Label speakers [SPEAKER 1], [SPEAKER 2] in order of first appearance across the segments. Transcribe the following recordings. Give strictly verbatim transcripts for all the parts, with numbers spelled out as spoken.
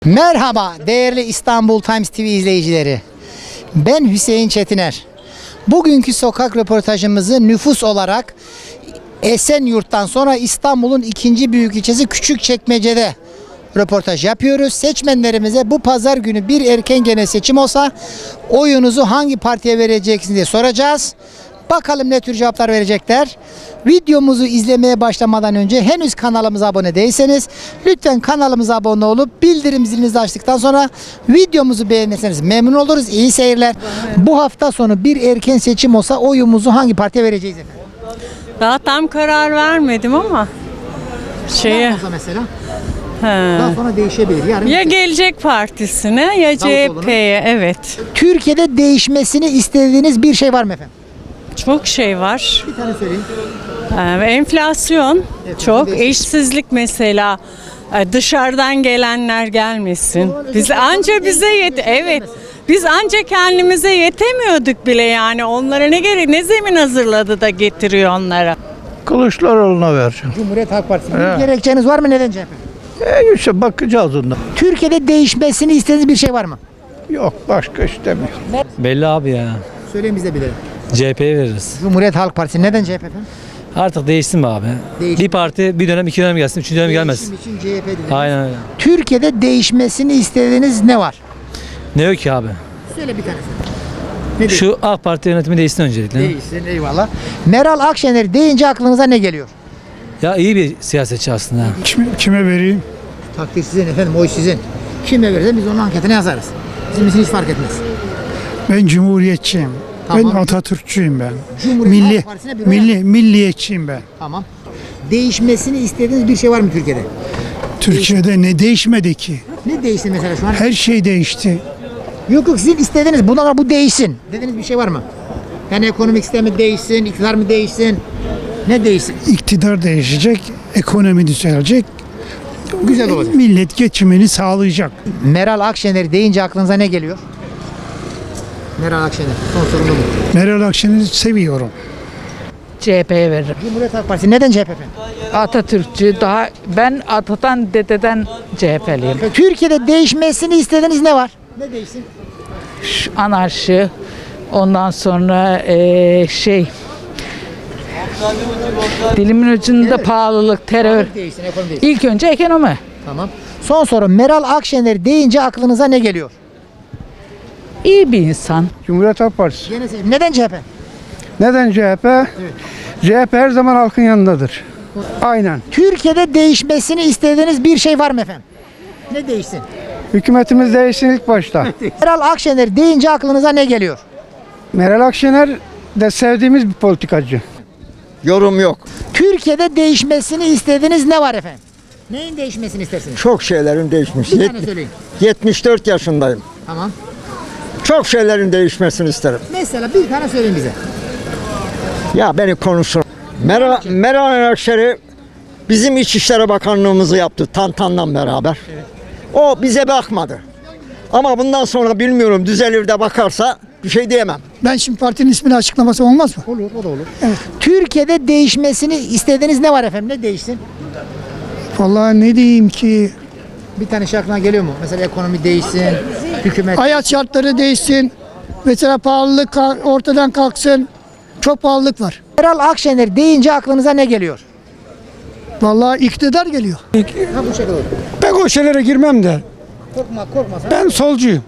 [SPEAKER 1] Merhaba değerli İstanbul Times T V izleyicileri. Ben Hüseyin Çetiner. Bugünkü sokak röportajımızı nüfus olarak Esenyurt'tan sonra İstanbul'un ikinci büyük ilçesi Küçükçekmece'de röportaj yapıyoruz. Seçmenlerimize bu pazar günü bir erken genel seçim olsa oyunuzu hangi partiye vereceksiniz diye soracağız. Bakalım ne tür cevaplar verecekler. Videomuzu izlemeye başlamadan önce henüz kanalımıza abone değilseniz lütfen kanalımıza abone olup bildirim zilinizi açtıktan sonra videomuzu beğenirseniz memnun oluruz. İyi seyirler. Bu hafta sonu bir erken seçim olsa oyumuzu hangi partiye vereceğiz efendim?
[SPEAKER 2] Daha tam karar vermedim ama şeye
[SPEAKER 1] Olsa mesela
[SPEAKER 2] he.
[SPEAKER 1] daha sonra değişebilir. Yarın
[SPEAKER 2] Ya Gelecek Partisi'ne ya C H P'ye, evet.
[SPEAKER 1] Türkiye'de değişmesini istediğiniz bir şey var mı efendim?
[SPEAKER 2] Çok şey var.
[SPEAKER 1] Bir tane söyleyin.
[SPEAKER 2] Ee, enflasyon çok,
[SPEAKER 1] değişik.
[SPEAKER 2] eşsizlik mesela. Ee, Dışarıdan gelenler gelmesin.
[SPEAKER 1] zaman
[SPEAKER 2] Biz
[SPEAKER 1] özellikle
[SPEAKER 2] anca
[SPEAKER 1] ekonomi
[SPEAKER 2] bize yet
[SPEAKER 1] değişikliği
[SPEAKER 2] evet.
[SPEAKER 1] gelmesin.
[SPEAKER 2] Biz anca kendimize yetemiyorduk bile yani. Onlara ne gerek, ne zemin hazırladı da getiriyor onlara.
[SPEAKER 3] Kılıçdaroğlu'na vereceğim.
[SPEAKER 1] Cumhuriyet Halk Partisi. Bir
[SPEAKER 3] Evet.
[SPEAKER 1] gerekçeniz var mı? Neden C H P?
[SPEAKER 3] E işte bakacağız ondan.
[SPEAKER 1] Türkiye'de değişmesini istediğiniz bir şey var mı?
[SPEAKER 3] Yok başka istemiyorum.
[SPEAKER 4] Belli abi ya.
[SPEAKER 1] Söyleyin biz de bilelim.
[SPEAKER 4] C H P'ye veririz.
[SPEAKER 1] Cumhuriyet Halk Partisi. Neden C H P efendim?
[SPEAKER 4] Artık değişsin be abi.
[SPEAKER 1] Değişsin.
[SPEAKER 4] Bir parti bir dönem iki dönem gelsin, üçüncü dönem gelmez.
[SPEAKER 1] Değişim için C H P dediniz.
[SPEAKER 4] Aynen öyle.
[SPEAKER 1] Türkiye'de değişmesini istediğiniz ne var?
[SPEAKER 4] Ne yok ki abi?
[SPEAKER 1] Söyle bir tanesi. Ne
[SPEAKER 4] Şu AK Parti yönetimi değişsin öncelikle.
[SPEAKER 1] değişsin? Eyvallah. Meral Akşener deyince aklınıza ne geliyor?
[SPEAKER 4] Ya iyi bir siyasetçi aslında.
[SPEAKER 3] Kime, kime vereyim?
[SPEAKER 1] Takdir sizin efendim, oy sizin. Kime verirse biz onun anketine yazarız. Bizim için hiç fark etmez.
[SPEAKER 3] Ben cumhuriyetçiyim.
[SPEAKER 1] Tamam.
[SPEAKER 3] Ben Atatürkçüyüm ben.
[SPEAKER 1] Cumhuriyet
[SPEAKER 3] Milli,
[SPEAKER 1] Halk Partisi'ne bir oy
[SPEAKER 3] milli, milliyetçiyim ben.
[SPEAKER 1] Tamam. Değişmesini istediğiniz bir şey var mı Türkiye'de?
[SPEAKER 3] Türkiye'de ne değişmedi ki?
[SPEAKER 1] Ne değişti mesela şu an?
[SPEAKER 3] Her şey değişti.
[SPEAKER 1] Yok yok, sizin istediğiniz bundan sonra bu değişsin dediğiniz bir şey var mı? Yani ekonomik sistemi değişsin, iktidar mı değişsin? Ne değişsin?
[SPEAKER 3] İktidar değişecek, ekonomi düzelecek.
[SPEAKER 1] Güzel olacak.
[SPEAKER 3] Millet geçimini sağlayacak.
[SPEAKER 1] Meral Akşener deyince aklınıza ne geliyor? Meral Akşener. Son sorum da bu.
[SPEAKER 3] Meral Akşener'i seviyorum.
[SPEAKER 5] C H P'ye veririm.
[SPEAKER 1] Cumhuriyet Halk Partisi. Neden C H P efendim?
[SPEAKER 5] Atatürkçü daha ben atadan dededen C H P'liyim.
[SPEAKER 1] Türkiye'de değişmesini istediğiniz ne var? Ne değişsin?
[SPEAKER 5] Şu anarşi, ondan sonra eee, şey dilimin ucunda pahalılık, terör.
[SPEAKER 1] Değişsin, ekonomi değişsin.
[SPEAKER 5] İlk önce ekonomi.
[SPEAKER 1] Tamam. Son soru. Meral Akşener deyince aklınıza ne geliyor?
[SPEAKER 5] İyi bir insan.
[SPEAKER 3] Cumhuriyet Halk Partisi.
[SPEAKER 1] Gene seçim. Neden C H P?
[SPEAKER 3] Neden C H P? C H P her zaman halkın yanındadır. Aynen.
[SPEAKER 1] Türkiye'de değişmesini istediğiniz bir şey var mı efendim? Ne değişsin?
[SPEAKER 3] Hükümetimiz değişsin ilk başta.
[SPEAKER 1] Meral Akşener deyince aklınıza ne geliyor?
[SPEAKER 3] Meral Akşener de sevdiğimiz bir politikacı.
[SPEAKER 6] Yorum yok.
[SPEAKER 1] Türkiye'de değişmesini istediğiniz ne var efendim? Neyin değişmesini istersiniz?
[SPEAKER 6] Çok şeylerin değişmiş.
[SPEAKER 1] Bir
[SPEAKER 6] Yet-
[SPEAKER 1] tane söyleyin.
[SPEAKER 6] yetmiş dört yaşındayım.
[SPEAKER 1] Tamam.
[SPEAKER 6] Çok şeylerin değişmesini isterim.
[SPEAKER 1] Mesela bir tane söyleyin bize.
[SPEAKER 6] Ya beni konuşsun. Meral, Meral Akşener bizim İçişleri Bakanlığımızı yaptı Tantan'la beraber. O bize bakmadı. Ama bundan sonra bilmiyorum, düzelir de bakarsa bir şey diyemem.
[SPEAKER 3] Ben şimdi partinin ismini açıklaması olmaz mı?
[SPEAKER 1] Olur, o da olur. Türkiye'de değişmesini istediğiniz ne var efendim? Ne değişsin?
[SPEAKER 3] Vallahi ne diyeyim ki,
[SPEAKER 1] Bir tane şey aklına geliyor mu? Mesela ekonomi değişsin, hükümet...
[SPEAKER 3] hayat şartları değişsin. Mesela pahalılık ka- ortadan kalksın. Çok pahalılık var.
[SPEAKER 1] Meral Akşener deyince aklınıza ne geliyor?
[SPEAKER 3] Vallahi iktidar geliyor.
[SPEAKER 1] Ha, bu şekilde olur.
[SPEAKER 3] Ben o şeylere girmem de.
[SPEAKER 1] Korkma, korkma sen.
[SPEAKER 3] Ben solcuyum.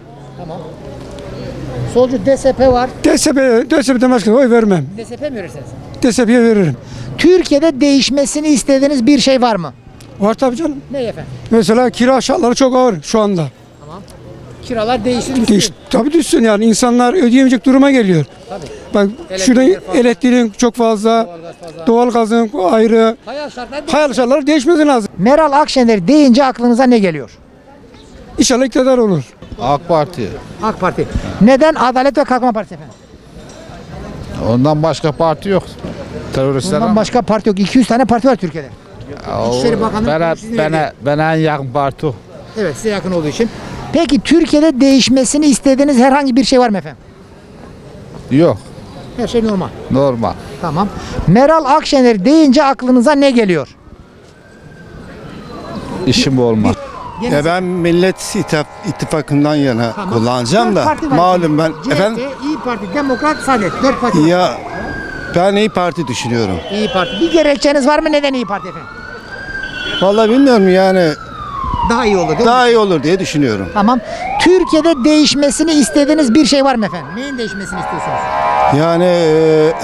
[SPEAKER 1] Solcu D S P var.
[SPEAKER 3] D S P, D S P'den başka oy vermem.
[SPEAKER 1] D S P mi verirsiniz?
[SPEAKER 3] D S P'ye veririm.
[SPEAKER 1] Türkiye'de değişmesini istediğiniz bir şey var mı?
[SPEAKER 3] Var tabii canım.
[SPEAKER 1] Ne efendim?
[SPEAKER 3] Mesela kira şartları çok ağır şu anda.
[SPEAKER 1] Kiralar değişsin,
[SPEAKER 3] Değiş,
[SPEAKER 1] düşsün.
[SPEAKER 3] tabii düşsün yani, insanlar ödeyemeyecek duruma geliyor.
[SPEAKER 1] Tabii.
[SPEAKER 3] Bak şurada
[SPEAKER 1] Elektrikler fazla.
[SPEAKER 3] elektriğin çok fazla, doğalgazın ayrı.
[SPEAKER 1] Hayal şartları
[SPEAKER 3] Hayal şartları değişmesi lazım.
[SPEAKER 1] Meral Akşener deyince aklınıza ne geliyor?
[SPEAKER 3] İnşallah iktidar olur.
[SPEAKER 7] AK Parti.
[SPEAKER 1] AK Parti. Neden Adalet ve Kalkınma Partisi efendim?
[SPEAKER 7] Ondan başka parti yok. Teröristler
[SPEAKER 1] Bundan
[SPEAKER 7] ama.
[SPEAKER 1] başka parti yok. iki yüz tane parti var Türkiye'de. İçişleri Bakanlığı
[SPEAKER 7] Bana,
[SPEAKER 1] sizin
[SPEAKER 7] bana,
[SPEAKER 1] elinde.
[SPEAKER 7] bana en yakın parti o.
[SPEAKER 1] Evet, size yakın olduğu için. Peki Türkiye'de değişmesini istediğiniz herhangi bir şey var mı efendim?
[SPEAKER 7] Yok.
[SPEAKER 1] Her şey normal.
[SPEAKER 7] Normal.
[SPEAKER 1] Tamam. Meral Akşener deyince aklınıza ne geliyor?
[SPEAKER 7] İşim olmaz.
[SPEAKER 1] Gene
[SPEAKER 8] Ya ben Millet İttif- İttifakı'ndan yana
[SPEAKER 1] Tamam.
[SPEAKER 8] kullanacağım
[SPEAKER 1] Dört
[SPEAKER 8] da
[SPEAKER 1] parti var
[SPEAKER 8] malum ben
[SPEAKER 1] şimdi.
[SPEAKER 8] efendim
[SPEAKER 1] C H P, İyi Parti, Demokrat, Saadet. Dört parti var.
[SPEAKER 8] ya ben İyi Parti düşünüyorum.
[SPEAKER 1] İyi Parti. Bir gerekçeniz var mı? Neden İyi Parti efendim?
[SPEAKER 8] Vallahi bilmiyorum yani
[SPEAKER 1] Daha iyi olur değil mi?
[SPEAKER 8] daha iyi olur diye düşünüyorum.
[SPEAKER 1] Tamam. Türkiye'de değişmesini istediğiniz bir şey var mı efendim? Neyin değişmesini istiyorsunuz?
[SPEAKER 8] Yani e,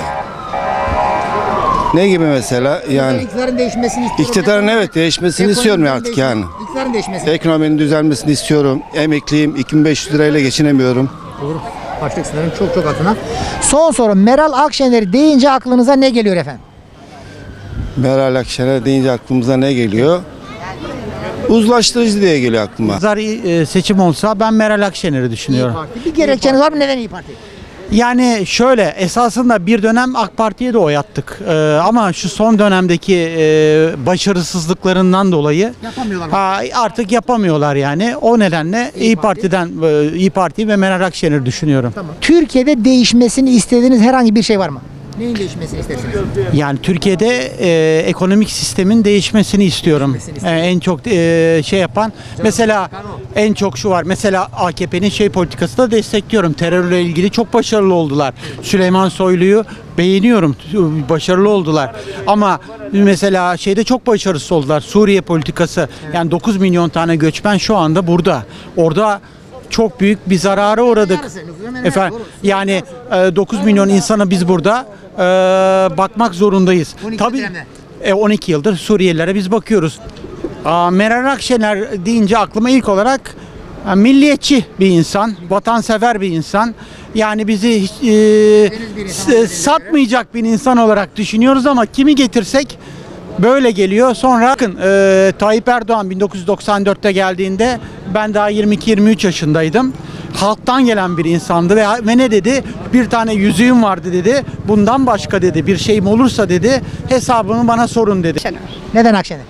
[SPEAKER 8] ne gibi mesela yani
[SPEAKER 1] İktidarın değişmesini istiyorum.
[SPEAKER 8] iktidarın evet değişmesini istiyorum
[SPEAKER 1] Ekonominin
[SPEAKER 8] artık
[SPEAKER 1] değişmesi-
[SPEAKER 8] yani.
[SPEAKER 1] İktidarın değişmesini.
[SPEAKER 8] Ekonominin düzelmesini istiyorum. Emekliyim. iki bin beş yüz lirayla geçinemiyorum.
[SPEAKER 1] Doğru. Açlık sınırının çok çok altına. Son soru. Meral Akşener deyince aklınıza ne geliyor efendim?
[SPEAKER 8] Meral Akşener deyince aklımıza ne geliyor? Uzlaştırıcı diye geliyor aklıma.
[SPEAKER 9] Pazar e, seçim olsa ben Meral Akşener'i düşünüyorum.
[SPEAKER 1] Parti. Bir gerekçeniz var mı? Neden İyi Parti?
[SPEAKER 9] Yani şöyle esasında bir dönem AK Parti'ye de oy attık. Ee, ama şu son dönemdeki e, başarısızlıklarından dolayı
[SPEAKER 1] Yapamıyorlar.
[SPEAKER 9] ha, artık yapamıyorlar yani. O nedenle İyi,
[SPEAKER 1] Parti.
[SPEAKER 9] Parti'den e, İyi Parti ve Meral Akşener'i düşünüyorum.
[SPEAKER 1] Tamam. Türkiye'de değişmesini istediğiniz herhangi bir şey var mı? Neyin değişmesini istersiniz?
[SPEAKER 9] Yani Türkiye'de e, ekonomik sistemin değişmesini istiyorum. E, en çok e, şey yapan mesela en çok şu var. Mesela A K P'nin şey politikası da destekliyorum. Terörle ilgili çok başarılı oldular. Süleyman Soylu'yu beğeniyorum. Başarılı oldular. Ama mesela şeyde çok başarısız oldular. Suriye politikası. Yani dokuz milyon tane göçmen şu anda burada. Orada çok büyük bir zarara uğradık.
[SPEAKER 1] Yarısı, nüfusun hemen
[SPEAKER 9] Efendim
[SPEAKER 1] yarısı,
[SPEAKER 9] yani e, dokuz milyon insana biz burada e, bakmak zorundayız.
[SPEAKER 1] on iki
[SPEAKER 9] Tabii
[SPEAKER 1] dönemde.
[SPEAKER 9] e, on iki yıldır Suriyelilere biz bakıyoruz. Aa, Meral Akşener deyince aklıma ilk olarak e, milliyetçi bir insan, vatansever bir insan. Yani bizi hiç, e, s- satmayacak bir insan olarak düşünüyoruz ama kimi getirsek böyle geliyor. Sonra bakın e, Tayyip Erdoğan bin dokuz yüz doksan dörtte geldiğinde ben daha yirmi iki yirmi üç yaşındaydım. Halktan gelen bir insandı ve, ve ne dedi? Bir tane yüzüğüm vardı dedi. Bundan başka dedi bir şeyim olursa dedi hesabını bana sorun dedi.
[SPEAKER 1] Neden Akşener?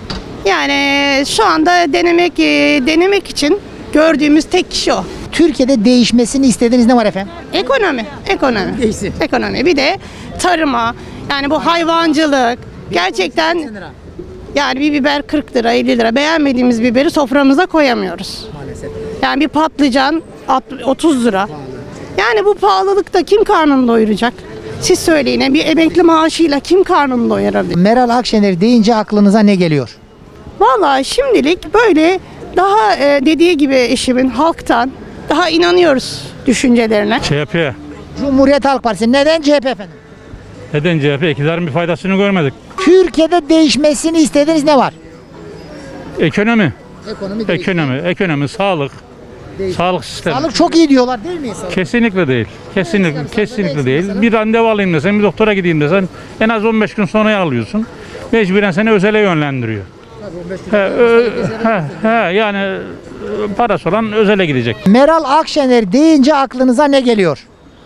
[SPEAKER 10] Yani şu anda denemek e, denemek için gördüğümüz tek kişi o.
[SPEAKER 1] Türkiye'de değişmesini istediğiniz ne var efendim?
[SPEAKER 10] Ekonomi, ekonomi.
[SPEAKER 1] Değişsin.
[SPEAKER 10] Ekonomi. Bir de tarıma, yani bu hayvancılık. Gerçekten yani bir biber kırk lira, elli lira. Beğenmediğimiz biberi soframıza koyamıyoruz.
[SPEAKER 1] Maalesef.
[SPEAKER 10] Yani bir patlıcan alt- otuz lira. Yani bu pahalılıkta kim karnını doyuracak? Siz söyleyin. Bir emekli maaşıyla kim karnını doyurabilir?
[SPEAKER 1] Meral Akşener deyince aklınıza ne geliyor?
[SPEAKER 10] Vallahi şimdilik böyle daha e, dediği gibi eşimin halktan daha inanıyoruz düşüncelerine.
[SPEAKER 11] C H P.
[SPEAKER 1] Cumhuriyet Halk Partisi. Neden C H P efendim?
[SPEAKER 11] Neden C H P? İktidarın bir faydasını görmedik.
[SPEAKER 1] Türkiye'de değişmesini istediğiniz ne var?
[SPEAKER 11] Ekonomi,
[SPEAKER 1] Ekonomi
[SPEAKER 11] ekonomi, ekonomi, sağlık, sağlık sistemi.
[SPEAKER 1] Sağlık çok iyi diyorlar değil mi? Sağlık.
[SPEAKER 11] Kesinlikle değil. Kesinlikle, kesinlikle değil. Bir randevu alayım desen, bir doktora gideyim desen en az on beş gün sonraya alıyorsun. Mecburen seni özele yönlendiriyor. He, ö- he, he, yani e, parası olan özele gidecek.
[SPEAKER 1] Meral Akşener deyince aklınıza ne geliyor?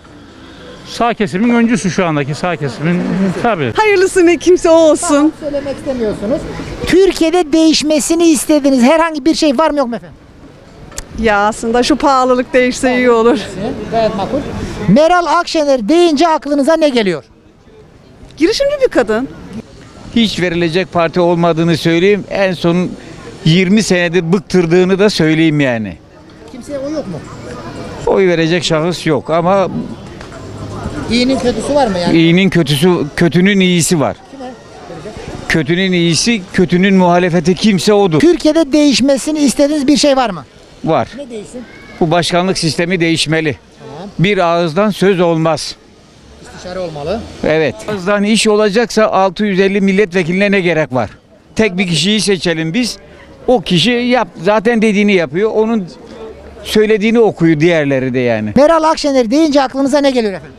[SPEAKER 11] Sağ kesimin öncüsü şu andaki sağ kesimin tabii.
[SPEAKER 2] Hayırlısı ne kimse o olsun.
[SPEAKER 1] Söylemek istemiyorsunuz. Türkiye'de değişmesini istediğiniz herhangi bir şey var mı yok mu efendim?
[SPEAKER 2] Ya aslında şu pahalılık değişse iyi olur.
[SPEAKER 1] Gayet makul. Meral Akşener deyince aklınıza ne geliyor?
[SPEAKER 2] Girişimci bir kadın.
[SPEAKER 12] Hiç verilecek parti olmadığını söyleyeyim. En son yirmi senedir bıktırdığını da söyleyeyim yani.
[SPEAKER 1] Kimseye o yok mu?
[SPEAKER 12] Oy verecek şahıs yok ama
[SPEAKER 1] İyinin kötüsü var mı yani?
[SPEAKER 12] iyinin kötüsü, kötünün iyisi var. Kötünün iyisi, kötünün muhalefeti kimse odur.
[SPEAKER 1] Türkiye'de değişmesini istediğiniz bir şey var mı?
[SPEAKER 12] Var.
[SPEAKER 1] Ne değişsin?
[SPEAKER 12] Bu başkanlık sistemi değişmeli. Bir ağızdan söz olmaz.
[SPEAKER 1] İstişare olmalı.
[SPEAKER 12] Evet. Ağızdan iş olacaksa altı yüz elli milletvekiline ne gerek var? Tek bir kişiyi seçelim biz. O kişi yap, zaten dediğini yapıyor. Onun söylediğini okuyor diğerleri de yani.
[SPEAKER 1] Meral Akşener deyince aklınıza ne geliyor efendim?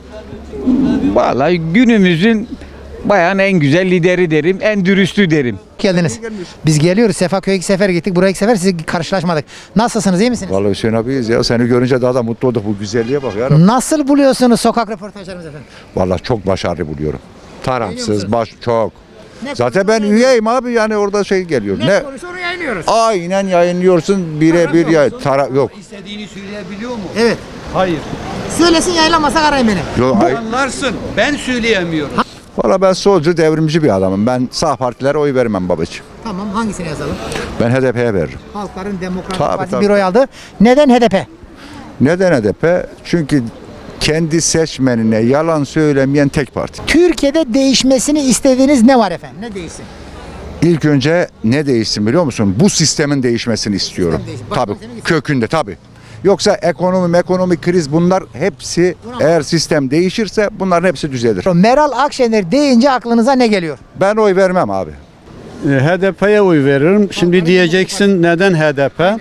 [SPEAKER 12] Vallahi günümüzün bayan en güzel lideri derim, en dürüstü derim.
[SPEAKER 1] Geldiniz. Biz geliyoruz. Sefaköy'e iki sefer gittik. Buraya iki sefer sizi karşılaşmadık. Nasılsınız? İyi misiniz?
[SPEAKER 7] Vallahi Hüseyin abiyiz ya. Seni görünce daha da mutlu olduk. Bu güzelliğe bak ya.
[SPEAKER 1] Nasıl buluyorsunuz sokak röportajlarımızı efendim?
[SPEAKER 7] Vallahi çok başarılı buluyorum. Tarafsız,
[SPEAKER 1] musunuz?
[SPEAKER 7] baş çok.
[SPEAKER 1] Ne
[SPEAKER 7] Zaten ben üyeyim abi yani orada şey geliyor.
[SPEAKER 1] Ne,
[SPEAKER 7] Ne?
[SPEAKER 1] konuşuyor onu yayınlıyoruz.
[SPEAKER 7] Aynen yayınlıyorsun birebir ya. Taraf yok.
[SPEAKER 13] İstediğini söyleyebiliyor mu?
[SPEAKER 1] Evet.
[SPEAKER 13] Hayır.
[SPEAKER 1] Söylesin yayınlamasak arayın beni.
[SPEAKER 7] Yok. ay-
[SPEAKER 13] Anlarsın. Ben söyleyemiyorum.
[SPEAKER 7] Valla ben solcu devrimci bir adamım. Ben sağ partilere oy vermem babacığım.
[SPEAKER 1] Tamam hangisini yazalım?
[SPEAKER 7] Ben H D P'ye veririm.
[SPEAKER 1] Halkların Demokratik
[SPEAKER 7] Tabii,
[SPEAKER 1] Partisi
[SPEAKER 7] tabii.
[SPEAKER 1] bir oy aldı. Neden H D P?
[SPEAKER 7] Neden H D P? Çünkü kendi seçmenine yalan söylemeyen tek parti.
[SPEAKER 1] Türkiye'de değişmesini istediğiniz ne var efendim? Ne değişsin?
[SPEAKER 7] İlk önce ne değişsin biliyor musun? Bu sistemin değişmesini istiyorum.
[SPEAKER 1] Sistem değişsin. Başka
[SPEAKER 7] Tabii.
[SPEAKER 1] sisteme gitsin.
[SPEAKER 7] Kökünde tabii. Yoksa ekonomi, ekonomik kriz bunlar hepsi eğer sistem değişirse bunların hepsi düzelir.
[SPEAKER 1] Meral Akşener deyince aklınıza ne geliyor?
[SPEAKER 7] Ben oy vermem abi.
[SPEAKER 8] H D P'ye oy veririm. Şimdi diyeceksin neden H D P?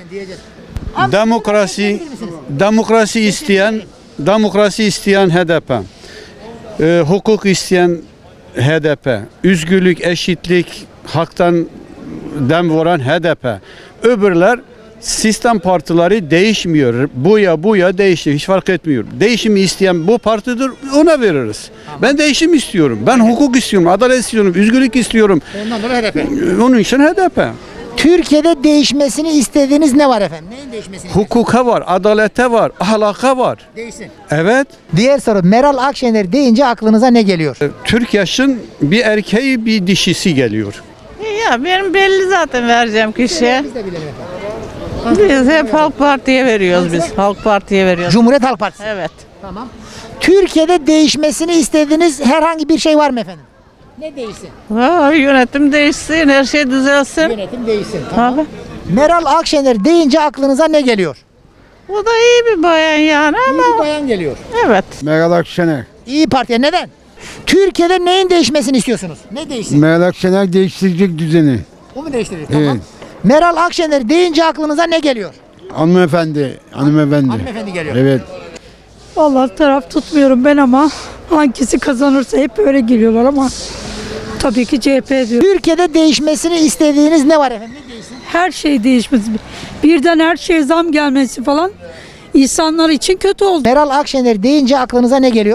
[SPEAKER 8] Demokrasi demokrasi isteyen demokrasi isteyen H D P. Ee, hukuk isteyen H D P. Üzgürlük, eşitlik, haktan dem vuran H D P. Öbürler sistem partileri değişmiyor. Bu ya bu ya değişiyor. Hiç fark etmiyor. Değişimi isteyen bu partidir. Ona veririz. Ben değişim istiyorum. Ben hukuk istiyorum. Adalet istiyorum. Üzgürlük istiyorum.
[SPEAKER 1] Ondan dolayı H D P.
[SPEAKER 8] Onun için H D P.
[SPEAKER 1] Türkiye'de değişmesini istediğiniz ne var efendim? Neyin değişmesini?
[SPEAKER 8] Hukuka var, adalete var, ahlaka var.
[SPEAKER 1] Değişsin.
[SPEAKER 8] Evet.
[SPEAKER 1] Diğer soru, Meral Akşener deyince aklınıza ne geliyor?
[SPEAKER 8] Türk yaşın bir erkeği bir dişisi geliyor.
[SPEAKER 2] Ya benim belli zaten vereceğim kişiye.
[SPEAKER 1] Biz de bilelim efendim.
[SPEAKER 2] Biz hep Halk Parti'ye veriyoruz biz. Halk Parti'ye veriyoruz.
[SPEAKER 1] Cumhuriyet Halk Partisi.
[SPEAKER 2] Evet.
[SPEAKER 1] Tamam. Türkiye'de değişmesini istediğiniz herhangi bir şey var mı efendim? Ne değişsin?
[SPEAKER 2] Ha, yönetim değişsin, her şey düzelsin.
[SPEAKER 1] Yönetim değişsin. Tamam.
[SPEAKER 2] Tabii.
[SPEAKER 1] Meral Akşener deyince aklınıza ne geliyor?
[SPEAKER 2] O da iyi bir bayan yani
[SPEAKER 1] İyi
[SPEAKER 2] ama
[SPEAKER 1] bir bayan geliyor.
[SPEAKER 2] evet.
[SPEAKER 8] Meral Akşener.
[SPEAKER 1] İyi Parti'ye neden? Türkiye'de neyin değişmesini istiyorsunuz? Ne değişsin?
[SPEAKER 8] Meral Akşener değiştirecek düzeni.
[SPEAKER 1] O mu değiştirecek? Tamam. Meral Akşener deyince aklınıza ne geliyor?
[SPEAKER 8] Hanımefendi, hanımefendi.
[SPEAKER 1] Hanımefendi geliyor.
[SPEAKER 8] Evet.
[SPEAKER 3] Vallahi taraf tutmuyorum ben ama hangisi kazanırsa hep öyle geliyorlar ama tabii ki C H P diyor.
[SPEAKER 1] Türkiye'de değişmesini istediğiniz ne var efendim? Ne değişsin?
[SPEAKER 3] Her şey değişmesi. Birden her şeye zam gelmesi falan insanlar için kötü oldu.
[SPEAKER 1] Meral Akşener deyince aklınıza ne geliyor?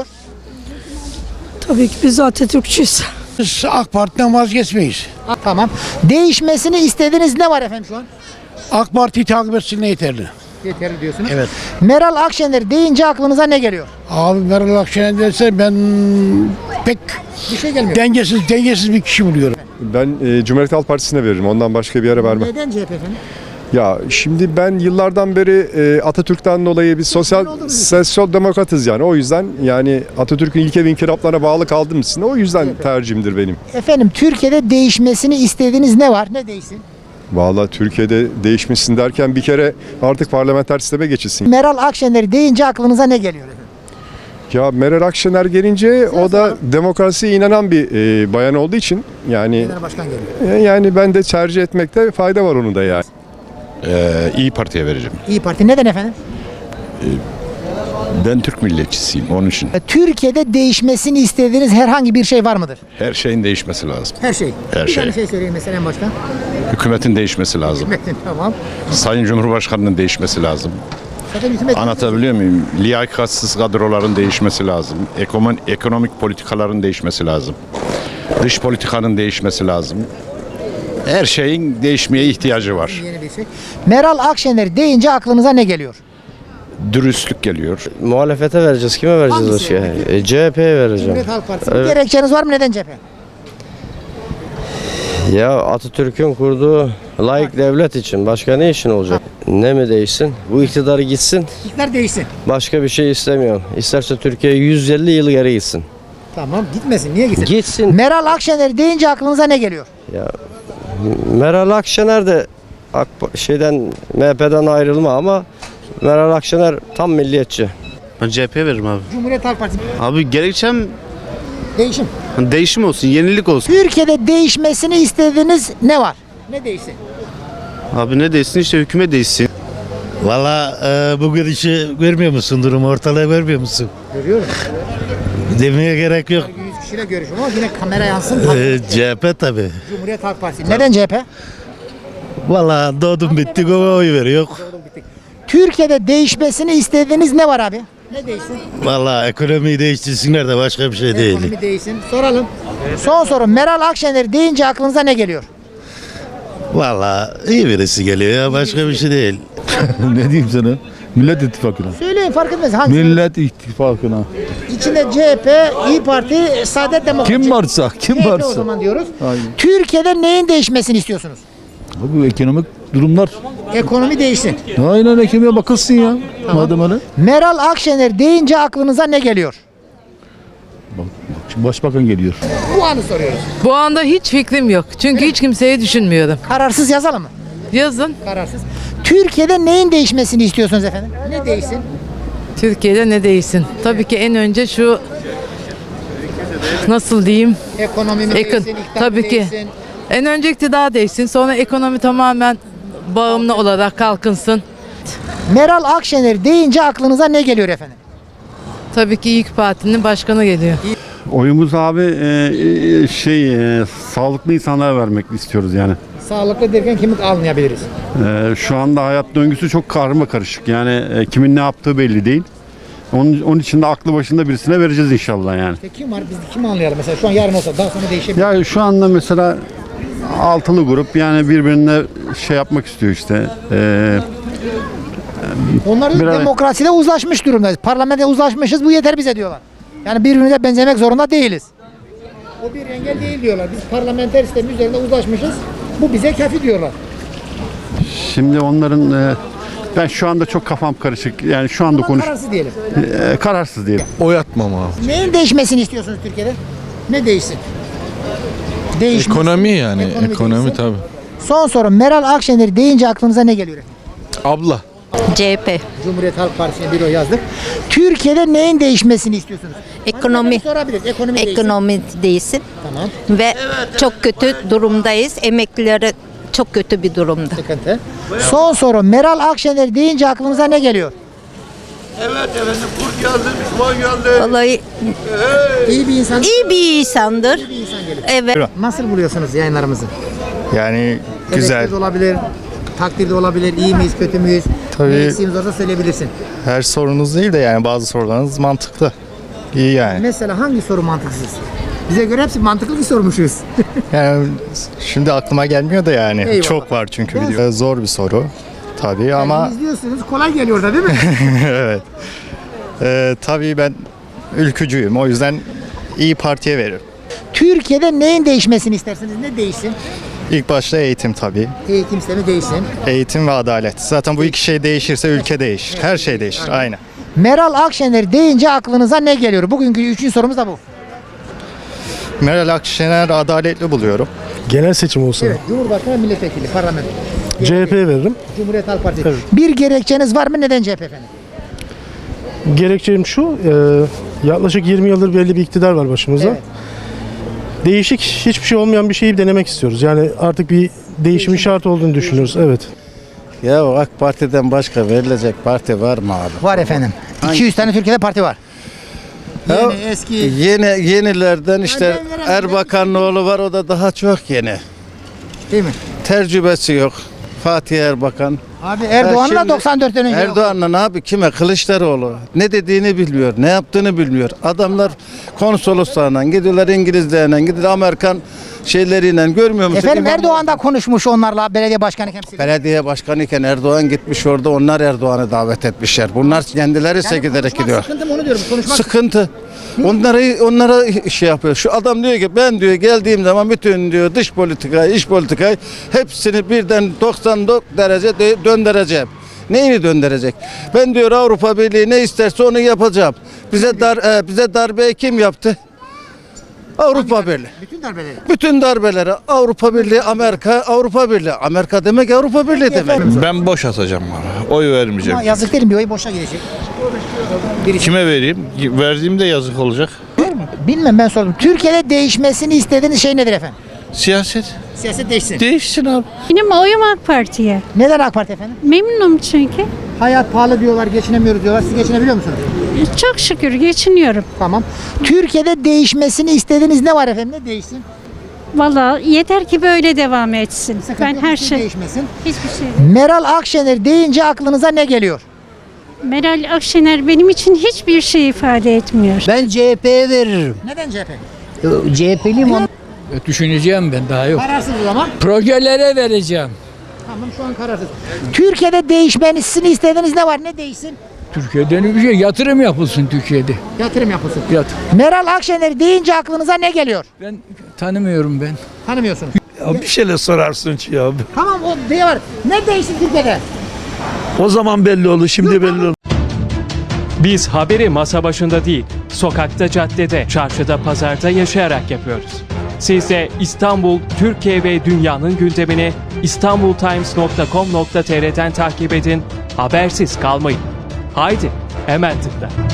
[SPEAKER 3] Tabii ki biz Atatürkçüyüz.
[SPEAKER 9] Biz AK Parti'den vazgeçmeyiz.
[SPEAKER 1] Ha, tamam. Değişmesini istediğiniz ne var efendim şu an?
[SPEAKER 9] AK Parti'yi takip etsinler yeterli.
[SPEAKER 1] Yeterli diyorsunuz.
[SPEAKER 9] Evet.
[SPEAKER 1] Meral Akşener deyince aklınıza ne geliyor?
[SPEAKER 9] Abi Meral Akşener derse ben pek
[SPEAKER 1] Bir şey gelmiyor.
[SPEAKER 9] dengesiz dengesiz bir kişi buluyorum.
[SPEAKER 14] Ben e, Cumhuriyet Halk Partisi'ne veririm. Ondan başka bir yere vermem.
[SPEAKER 1] Neden C H P efendim?
[SPEAKER 14] Ya şimdi ben yıllardan beri e, Atatürk'ten dolayı bir sosyal sosyal demokratız yani. O yüzden yani Atatürk'ün ilke ve inkılaplarına bağlı kaldığım için o yüzden tercihimdir benim.
[SPEAKER 1] Efendim Türkiye'de değişmesini istediğiniz ne var? Ne değişsin?
[SPEAKER 14] Vallahi Türkiye'de değişmişsin derken bir kere artık parlamenter sisteme geçilsin.
[SPEAKER 1] Meral Akşener deyince aklınıza ne geliyor efendim?
[SPEAKER 14] Ya Meral Akşener gelince o da demokrasiye inanan bir e, bayan olduğu için yani
[SPEAKER 1] Genel Başkan geliyor.
[SPEAKER 14] e, yani ben de tercih etmekte fayda var onun da yani.
[SPEAKER 15] Ee, İyi Parti'ye vereceğim.
[SPEAKER 1] İyi Parti neden efendim?
[SPEAKER 15] Ben Türk milliyetçisiyim onun için.
[SPEAKER 1] Türkiye'de değişmesini istediğiniz herhangi bir şey var mıdır?
[SPEAKER 15] Her şeyin değişmesi lazım.
[SPEAKER 1] Her şey.
[SPEAKER 15] Her
[SPEAKER 1] bir
[SPEAKER 15] şey.
[SPEAKER 1] tane şey söyleyeyim mesela en baştan.
[SPEAKER 15] Hükümetin değişmesi lazım.
[SPEAKER 1] Tamam.
[SPEAKER 15] Sayın Cumhurbaşkanı'nın değişmesi lazım.
[SPEAKER 1] Zaten hükümet
[SPEAKER 15] Anlatabiliyor muyum? Liyakatsiz kadroların değişmesi lazım. Ekonomik, ekonomik politikaların değişmesi lazım. Dış politikanın değişmesi lazım. Her şeyin değişmeye ihtiyacı var.
[SPEAKER 1] yeni bir şey. Meral Akşener deyince aklınıza ne geliyor?
[SPEAKER 15] Dürüstlük geliyor.
[SPEAKER 16] Muhalefete vereceğiz. Kime vereceğiz
[SPEAKER 1] Hangisi?
[SPEAKER 16] başka? E, C H P'ye vereceğim.
[SPEAKER 1] Cumhuriyet Halk Partisi.
[SPEAKER 16] Evet.
[SPEAKER 1] Bir gerekçeniz var mı? Neden C H P?
[SPEAKER 16] Ya Atatürk'ün kurduğu layık devlet için. Başka ne için olacak? Ne mi değişsin? Bu iktidarı gitsin.
[SPEAKER 1] İktidar değişsin.
[SPEAKER 16] Başka bir şey istemiyorum. İsterse Türkiye yüz elli yıl geri gitsin.
[SPEAKER 1] Tamam gitmesin. Niye gitsin?
[SPEAKER 16] Gitsin.
[SPEAKER 1] Meral Akşener deyince aklınıza ne geliyor?
[SPEAKER 16] Ya Meral Akşener de AK, şeyden M H P'den ayrılma ama Meral Akşener tam milliyetçi.
[SPEAKER 8] Ben C H P'ye veririm abi.
[SPEAKER 1] Cumhuriyet Halk Partisi.
[SPEAKER 8] Abi gerekçem
[SPEAKER 1] Değişim.
[SPEAKER 8] değişim olsun, yenilik olsun.
[SPEAKER 1] Türkiye'de değişmesini istediğiniz ne var? Ne değişsin?
[SPEAKER 8] Abi ne değişsin işte hükümet değişsin.
[SPEAKER 9] Valla e, bu gidişi görmüyor musun, durumu ortalığı görmüyor musun?
[SPEAKER 1] Görüyorum.
[SPEAKER 9] Demeye gerek yok.
[SPEAKER 1] yüz kişiyle görüşüyorum ama yine kamera yansın.
[SPEAKER 9] C H P tabi.
[SPEAKER 1] Cumhuriyet Halk Partisi. Neden C H P?
[SPEAKER 9] Valla doğdum bittik ona oy veriyor.
[SPEAKER 1] Türkiye'de değişmesini istediğiniz ne var abi? Ne değişsin?
[SPEAKER 9] Valla ekonomiyi değiştirsinler de başka bir şey değil.
[SPEAKER 1] Ekonomi değişsin. Soralım. Son soru. Meral Akşener deyince aklınıza ne geliyor?
[SPEAKER 9] Valla iyi birisi geliyor ya, başka bir şey değil.
[SPEAKER 7] Ne diyeyim sana? Millet İttifakı'na.
[SPEAKER 1] Söyleyin fark etmez. Hangisi?
[SPEAKER 7] Millet İttifakı'na.
[SPEAKER 1] İçinde C H P, İyi Parti, Saadet Demokrat.
[SPEAKER 7] Kim varsa, kim
[SPEAKER 1] C H P o
[SPEAKER 7] varsa.
[SPEAKER 1] zaman diyoruz.
[SPEAKER 7] Aynen.
[SPEAKER 1] Türkiye'de neyin değişmesini istiyorsunuz?
[SPEAKER 7] Bu ekonomik
[SPEAKER 17] durumlar.
[SPEAKER 1] Ekonomi değişsin.
[SPEAKER 17] Aynen ekmeğe bakılsın ya. Madem öyle.
[SPEAKER 1] Meral Akşener deyince aklınıza ne geliyor?
[SPEAKER 17] Bak, bak şimdi başbakan geliyor.
[SPEAKER 1] Bu anı soruyoruz.
[SPEAKER 18] Bu anda hiç fikrim yok. Çünkü hiç kimseyi düşünmüyorum.
[SPEAKER 1] Kararsız yazalım mı?
[SPEAKER 18] Yazın.
[SPEAKER 1] Kararsız. Türkiye'de neyin değişmesini istiyorsunuz efendim? Ne değişsin?
[SPEAKER 18] Türkiye'de ne değişsin? Tabii ki en önce şu nasıl diyeyim?
[SPEAKER 1] Ekonomi mi
[SPEAKER 18] Ekon-
[SPEAKER 1] değişsin, iktidar mı
[SPEAKER 18] Tabii ki.
[SPEAKER 1] değişsin?
[SPEAKER 18] En önce iktidar değişsin. Sonra ekonomi tamamen bağımlı olarak kalkınsın.
[SPEAKER 1] Meral Akşener deyince aklınıza ne geliyor efendim?
[SPEAKER 18] Tabii ki İYİ Parti'nin başkanı geliyor.
[SPEAKER 8] Oyumuz abi e, şey e, sağlıklı insanlara vermek istiyoruz yani.
[SPEAKER 1] Sağlıklı derken kimi almayabiliriz?
[SPEAKER 8] E, şu anda hayat döngüsü çok karma karışık. Yani e, kimin ne yaptığı belli değil. Onun, onun için de aklı başında birisine vereceğiz inşallah yani.
[SPEAKER 1] İşte kim var? Biz kimi anlayalım mesela? Şu an yarın olsa daha sonra değişebilir.
[SPEAKER 8] Ya şu anda mesela altılı grup yani birbirine şey yapmak istiyor işte. E,
[SPEAKER 1] Onlar da
[SPEAKER 8] Biraz-
[SPEAKER 1] demokraside uzlaşmış durumdayız. Parlamentoda uzlaşmışız, bu yeter bize diyorlar. Yani birbirimize benzemek zorunda değiliz. O bir engel değil diyorlar. Biz parlamenter sistemin üzerinde uzlaşmışız. Bu bize kafi diyorlar.
[SPEAKER 8] şimdi onların e, ben şu anda çok kafam karışık. Yani şu anda konuş
[SPEAKER 1] Kararsız diyelim.
[SPEAKER 8] e, kararsız değilim.
[SPEAKER 17] Oy atmam abi.
[SPEAKER 1] Neyin değişmesini istiyorsunuz Türkiye'de? Ne değişsin? Değişmesi.
[SPEAKER 17] Ekonomi yani.
[SPEAKER 1] Ekonomi
[SPEAKER 17] Ekonomi,
[SPEAKER 1] değişsin.
[SPEAKER 17] tabii.
[SPEAKER 1] Son soru. Meral Akşener deyince aklınıza ne geliyor?
[SPEAKER 17] Abla.
[SPEAKER 19] C H P.
[SPEAKER 1] Cumhuriyet Halk Partisi'ne bir oy yazdık. Türkiye'de neyin değişmesini istiyorsunuz?
[SPEAKER 19] Ekonomi.
[SPEAKER 1] Sorabiliriz. Ekonomi değişsin.
[SPEAKER 19] Ekonomi değilsin.
[SPEAKER 1] Tamam.
[SPEAKER 19] Ve çok kötü durumdayız. Emeklilere çok kötü bir durumda.
[SPEAKER 1] Sıkıntı. Son soru. Meral Akşener deyince aklınıza ne geliyor?
[SPEAKER 13] Evet efendim kurt geldi, düşman geldi.
[SPEAKER 19] Vallahi
[SPEAKER 1] İyi bir insan.
[SPEAKER 19] iyi bir insandır.
[SPEAKER 1] İyi bir insan gelir.
[SPEAKER 19] Evet.
[SPEAKER 1] Nasıl buluyorsunuz yayınlarımızı?
[SPEAKER 20] Yani
[SPEAKER 1] Eleştiri de olabilir, takdir de olabilir. İyi miyiz, kötü müyüz?
[SPEAKER 20] Tabii.
[SPEAKER 1] Ne eksiğimiz varsa söyleyebilirsin.
[SPEAKER 20] her sorunuz değil de yani bazı sorularınız mantıklı. İyi yani.
[SPEAKER 1] Mesela hangi soru mantıksız? Bize göre hepsi mantıklı bir sormuşuz.
[SPEAKER 20] Yani şimdi aklıma gelmiyor da yani.
[SPEAKER 1] Eyvallah.
[SPEAKER 20] Çok var çünkü
[SPEAKER 1] Ben-
[SPEAKER 20] video. Zor bir soru. Tabii ama
[SPEAKER 1] Yani izliyorsunuz, kolay geliyor da değil mi?
[SPEAKER 20] evet. Ee, tabii ben ülkücüyüm. O yüzden iyi Parti'ye veririm.
[SPEAKER 1] Türkiye'de neyin değişmesini istersiniz? Ne değişsin?
[SPEAKER 20] İlk başta eğitim tabii.
[SPEAKER 1] Eğitim sistemi değişsin.
[SPEAKER 20] Eğitim ve adalet. Zaten bu iki şey değişirse ülke değişir. Her şey değişir. Aynen.
[SPEAKER 1] Meral Akşener deyince aklınıza ne geliyor? Bugünkü üçüncü sorumuz da bu.
[SPEAKER 20] Meral Akşener adaletli buluyorum.
[SPEAKER 17] Genel seçim olsa
[SPEAKER 1] Evet, Cumhurbaşkanı milletvekili, parlamento.
[SPEAKER 17] C H P'ye veririm.
[SPEAKER 1] Cumhuriyet Halk Partisi. Bir gerekçeniz var mı? Neden C H P efendim?
[SPEAKER 17] Gerekçem şu, e, yaklaşık yirmi yıldır belli bir iktidar var başımızda.
[SPEAKER 1] Evet.
[SPEAKER 17] Değişik, hiçbir şey olmayan bir şeyi denemek istiyoruz. Yani artık bir değişimin şart olduğunu düşünüyoruz. Evet.
[SPEAKER 21] Ya AK Parti'den başka verilecek parti var mı abi?
[SPEAKER 1] Var efendim. iki yüz tane Türkiye'de parti var. Yeni, eski.
[SPEAKER 21] Yeni yenilerden işte
[SPEAKER 1] ben veremem.
[SPEAKER 21] Erbakan'ın oğlu var, o da daha çok yeni.
[SPEAKER 1] Değil mi?
[SPEAKER 21] Tecrübesi yok. Fatih Erbakan.
[SPEAKER 1] Abi Erdoğan da
[SPEAKER 21] şimdi
[SPEAKER 1] doksan dörtten önce.
[SPEAKER 21] Erdoğan'la abi kime? Kılıçdaroğlu. Ne dediğini bilmiyor, ne yaptığını bilmiyor. Adamlar konsoloslarla gidiyorlar, İngilizlerle gidiyorlar, Amerikan şeyleriyle, görmüyor musun?
[SPEAKER 1] Efendim
[SPEAKER 21] İmam-
[SPEAKER 1] Erdoğan da konuşmuş onlarla belediye başkanı temsil.
[SPEAKER 21] Belediye başkanı iken Erdoğan gitmiş orada, onlar Erdoğan'ı davet etmişler. Bunlar kendileri sekiderek gidiyor.
[SPEAKER 1] Sıkıntı mı onu diyorum. Konuşmak
[SPEAKER 21] Sıkıntı. Onlara onlara şey yapıyor. Şu adam diyor ki ben diyor geldiğim zaman bütün diyor dış politikayı, iç politikayı hepsini birden doksan derece de- döndüreceğim. Neyini döndürecek? Ben diyor Avrupa Birliği ne isterse onu yapacağım. Bize dar e, bize darbeyi kim yaptı? Avrupa Birliği.
[SPEAKER 1] bütün darbeleri.
[SPEAKER 21] Bütün darbeleri Avrupa Birliği, Amerika, Avrupa Birliği. Amerika demek Avrupa Birliği demek.
[SPEAKER 17] Ben boş atacağım abi. Oy vermeyeceğim.
[SPEAKER 1] Ama yazık değil mi? Bir oy boşa gidecek. Birisi.
[SPEAKER 17] Kime vereyim? Verdiğimde yazık olacak.
[SPEAKER 1] Bilmem, ben sordum. Türkiye'de değişmesini istediğiniz şey nedir efendim?
[SPEAKER 17] Siyaset.
[SPEAKER 1] Siyaset değişsin.
[SPEAKER 17] Değişsin abi.
[SPEAKER 22] Benim oyum AK Parti'ye.
[SPEAKER 1] Neden AK Parti efendim?
[SPEAKER 22] Memnunum çünkü.
[SPEAKER 1] Hayat pahalı diyorlar, geçinemiyoruz diyorlar. Siz geçinebiliyor musunuz?
[SPEAKER 22] Çok şükür geçiniyorum.
[SPEAKER 1] Tamam. Türkiye'de değişmesini istediğiniz ne var efendim? Ne değişsin?
[SPEAKER 22] Valla yeter ki böyle devam etsin.
[SPEAKER 1] Sıkıntı
[SPEAKER 22] ben
[SPEAKER 1] yok,
[SPEAKER 22] her
[SPEAKER 1] bir şey
[SPEAKER 22] şey
[SPEAKER 1] değişmesin.
[SPEAKER 22] hiçbir şey.
[SPEAKER 1] Meral Akşener deyince aklınıza ne geliyor?
[SPEAKER 22] Meral Akşener benim için hiçbir şey ifade etmiyor.
[SPEAKER 23] Ben C H P'ye veririm.
[SPEAKER 1] Neden C H P?
[SPEAKER 23] C H P'liyim ama.
[SPEAKER 4] Düşüneceğim ben, daha yok.
[SPEAKER 1] Kararsız o zaman.
[SPEAKER 4] Projelere vereceğim.
[SPEAKER 1] Tamam, şu an kararsız. Türkiye'de değişmesini istediğiniz ne var? Ne değişsin?
[SPEAKER 4] Türkiye'den bir şey, yatırım yapılsın Türkiye'de.
[SPEAKER 1] Yatırım yapılsın.
[SPEAKER 4] Yat.
[SPEAKER 1] Meral Akşener deyince aklınıza ne geliyor?
[SPEAKER 4] Ben tanımıyorum ben.
[SPEAKER 1] Tanımıyorsunuz. Ya
[SPEAKER 5] bir şeyler sorarsın ki ya.
[SPEAKER 1] Tamam o diye var. Ne değişti Türkiye'de?
[SPEAKER 5] O zaman belli olur, şimdi belli olur.
[SPEAKER 6] Biz haberi masa başında değil, sokakta, caddede, çarşıda, pazarda yaşayarak yapıyoruz. Siz de İstanbul, Türkiye ve dünyanın gündemini istanbultimes nokta com nokta tr'den takip edin, habersiz kalmayın. Haydi, hemen tıkla.